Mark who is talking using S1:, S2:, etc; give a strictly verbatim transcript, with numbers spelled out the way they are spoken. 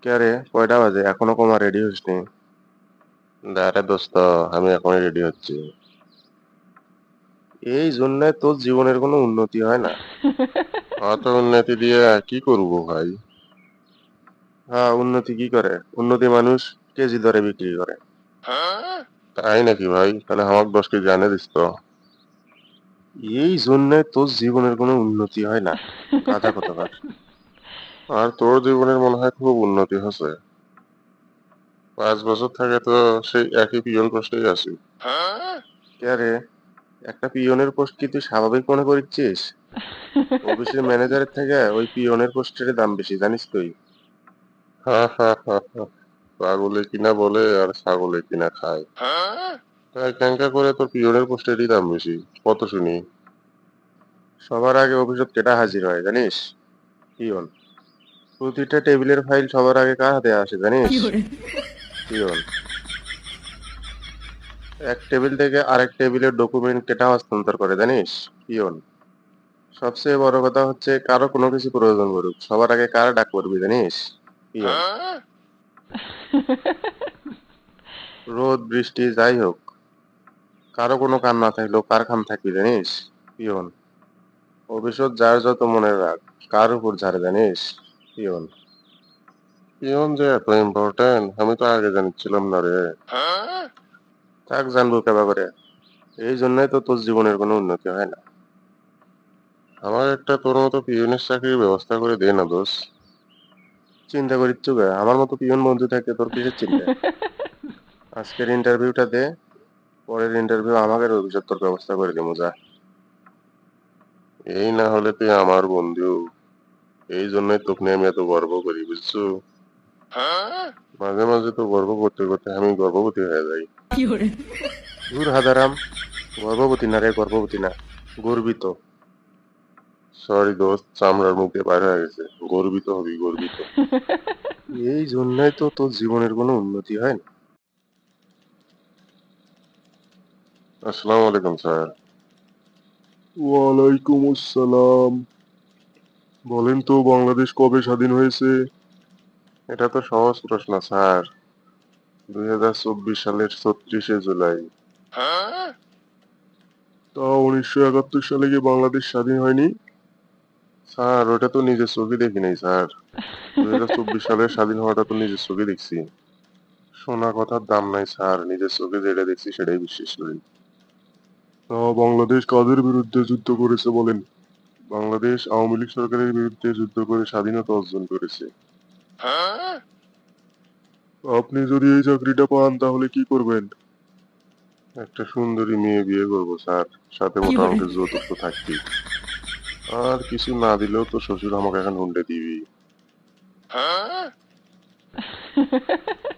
S1: কে রে, কয়টা বাজে? এখনো কমা রেডি হসনি?
S2: আরে দোস্ত, আমি এখনই রেডি হচ্ছি।
S1: এই জন্য তোর জীবনের কোনো উন্নতি হয় না।
S2: অত উন্নতি দিয়ে কি করব ভাই?
S1: হ্যাঁ, উন্নতি কি করে? উন্নতি মানুষ কেজি দরে বিক্রি করে।
S2: তাই নাকি ভাই? তাহলে আমাকে দশ কেজি আনে দিস তো।
S1: এই জন্য তোর জীবনের কোনো উন্নতি হয় না, গাধা কোথাকার।
S2: আর তোর জীবনের মনে হয় খুব উন্নতি হচ্ছে। পাঁচ বছর থেকে তো সেই একই পিয়ন পোস্টেই আছি।
S1: কে রে, একটা পিয়নের পোস্ট কি তুই স্বাভাবিক মনে করছিস? অফিসের ম্যানেজারের থেকে ওই পিয়নের পোস্টের দাম বেশি, জানিস তুই?
S2: হা হা হা হা। পাগলে কিনা বলে আর ছাগলে কিনা খায়। তাই ক্যাঙ্কা করে তোর পিয়নের পোস্টেরই দাম বেশি। কত শুনি?
S1: সবার আগে অফিসত কেটা হাজির হয় জানিস? পিয়ন। প্রতিটা টেবিলের ফাইল সবার আগে কার হাতে আসে জানিস? পিয়ন। এক টেবিল থেকে আরেক টেবিলের ডকুমেন্ট কেটা হস্তান্তর করে জানিস? পিয়ন। সবচেয়ে বড় কথা হচ্ছে কারো কোনো কিছু প্রয়োজন পড়ুক, সবার আগে কার ডাক পড়বি জানিস? পিয়ন। রোদ বৃষ্টি যাই হোক, কারো কোনো কাম না থাকলেও কার কাম থাকবি জানিস? পিয়ন। ভবিষ্যৎ যার যত মনে রাখ, কার উপর ঝাড়ে জানিস? পিয়ন।
S2: পিয়ন যে এত ইম্পর্টেন্ট আমি তো আগে জানিছিলাম না রে।
S1: থাক, জানবো কেবা করে। এই জন্যই তো তোর জীবনের কোনো উন্নতি হয় না।
S2: আমার একটা তোর মতো পিয়নের চাকরির ব্যবস্থা করে দে না দোষ।
S1: চিন্তা করিচ্ছু গে? আমার মতো পিয়ন বন্ধু থাকতে তোর কিসের চিন্তা? আজকের ইন্টারভিউটা দে, পরের ইন্টারভিউ আমাকে ভবিষ্যৎ তোর ব্যবস্থা করে দেবো, যা।
S2: এই না হলে তুই আমার বন্ধু। এই জন্যই তোকে নিয়ে আমি এত গর্ব করি, বুঝছো? মাঝে মাঝে তো গর্ব করতে করতে আমি গর্ভবতী হয়ে যাই।
S1: ধুর হাদারাম, গর্ভবতী না রে, গর্ভবতী না, গর্বিত।
S2: সরি দোস্ত, চামড়ার মুখে বাইরে হয়ে গেছে। গর্বিত হবি, গর্বিত।
S1: এই জন্যই তো তোর জীবনের কোনো উন্নতি হয় না।
S2: আসসালামু আলাইকুম স্যার।
S1: ওয়ালাইকুম আসসালাম। বলেন তো, বাংলাদেশ কবে স্বাধীন হয়েছে?
S2: এটা তো সহজ প্রশ্ন স্যার। দুই হাজার চব্বিশ সালের ছত্রিশে জুলাই।
S1: তা উনিশশো একাত্তর সালে কি বাংলাদেশ স্বাধীন হয়নি?
S2: স্যার ওটা তো নিজের চোখে দেখি নাই স্যার। দুই হাজার চব্বিশ সালের স্বাধীন হওয়াটা তো নিজের চোখে দেখছি। শোনা কথার দাম নাই স্যার, নিজের চোখে যেটা দেখছি সেটাই বিশ্বাস করি।
S1: তা বাংলাদেশ কাদের বিরুদ্ধে যুদ্ধ করেছে বলেন?
S2: বাংলাদেশ আওয়ামী লীগ সরকারের বিরুদ্ধে যুদ্ধ করে স্বাধীনতা অর্জন করেছে।
S1: আপনি যদি এই চাকরিটা পান তাহলে কি করবেন?
S2: একটা সুন্দরী মেয়ে বিয়ে করবো স্যার, সাথে মোটা অঙ্কের যৌতুক তো থাকবেই। আর কিছু না দিলেও তো শ্বশুর আমাকে এখন হুন্ডে দিবি।